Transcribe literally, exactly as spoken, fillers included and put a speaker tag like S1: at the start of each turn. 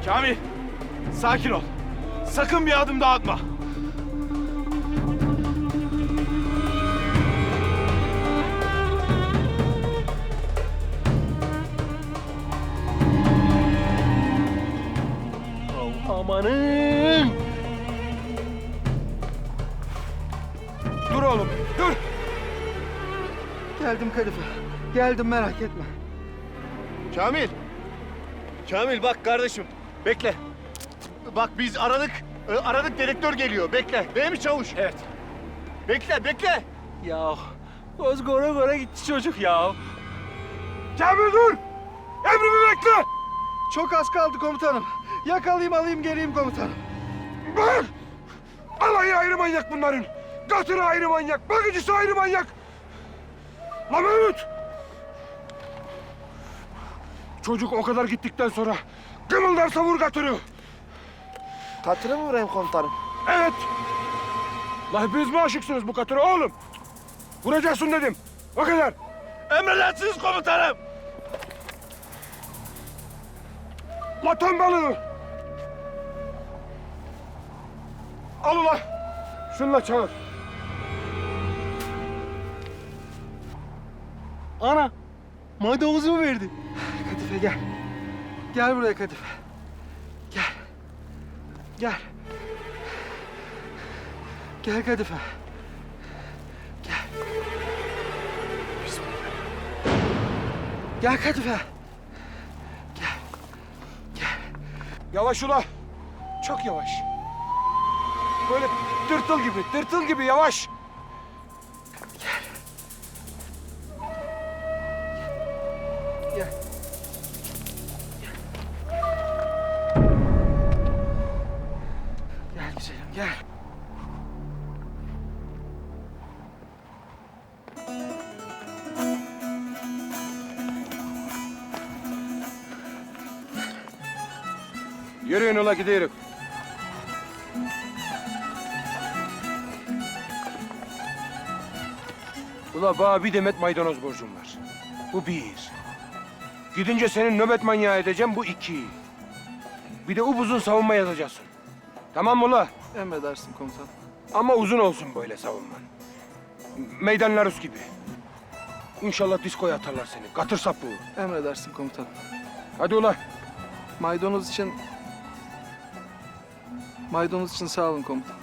S1: Kamil, sakin ol. Sakın bir adım daha atma.
S2: Amanın!
S1: Dur oğlum, dur.
S3: Geldim Kadife. Geldim, merak etme.
S2: Kamil! Kamil bak kardeşim, bekle. Bak biz aradık, e, aradık dedektör geliyor, bekle. Değil mi çavuş?
S1: Evet.
S2: Bekle, bekle.
S1: Ya göz göre göre gitti çocuk ya. Kamil dur! Emrimi bekle!
S3: Çok az kaldı komutanım. Yakalayayım, alayım, geleyim komutanım.
S1: Bak! Alayı ayrı manyak bunların. Katırı ayrı manyak, bakıcısı ayrı manyak. Lan Mehmet! Çocuk o kadar gittikten sonra kımıldarsa vur katırı.
S3: Katırı mı vurayım komutanım?
S1: Evet. La hepiniz mi aşıksınız bu katıra oğlum? Vuracaksın dedim. O kadar. Emredersiniz komutanım. La ton balığı. Al ula. Şunla çağır.
S2: Ana, maydanozu mu verdi?
S3: Kadife gel. Gel buraya Kadife. Gel. Gel. Gel Kadife. Gel. Bismillah. Gel Kadife. Gel. Gel.
S1: Yavaş ula. Çok yavaş. Böyle tırtıl gibi, tırtıl gibi yavaş.
S3: Gel. Gel güzelim, gel.
S1: Yürüyün ula gidiyoruz. Ula bana bir demet maydanoz borcum var. Bu bir. Gidince senin nöbet manyağı edeceğim, bu iki. Bir de upuzun savunma yazacaksın. Tamam mı ula?
S3: Emredersin komutanım.
S1: Ama uzun olsun böyle savunman. Meydan Larus gibi. İnşallah diskoya atarlar seni. Katır sapığı.
S3: Emredersin komutanım.
S1: Hadi ula.
S3: Maydanoz için... Maydanoz için sağ olun komutanım.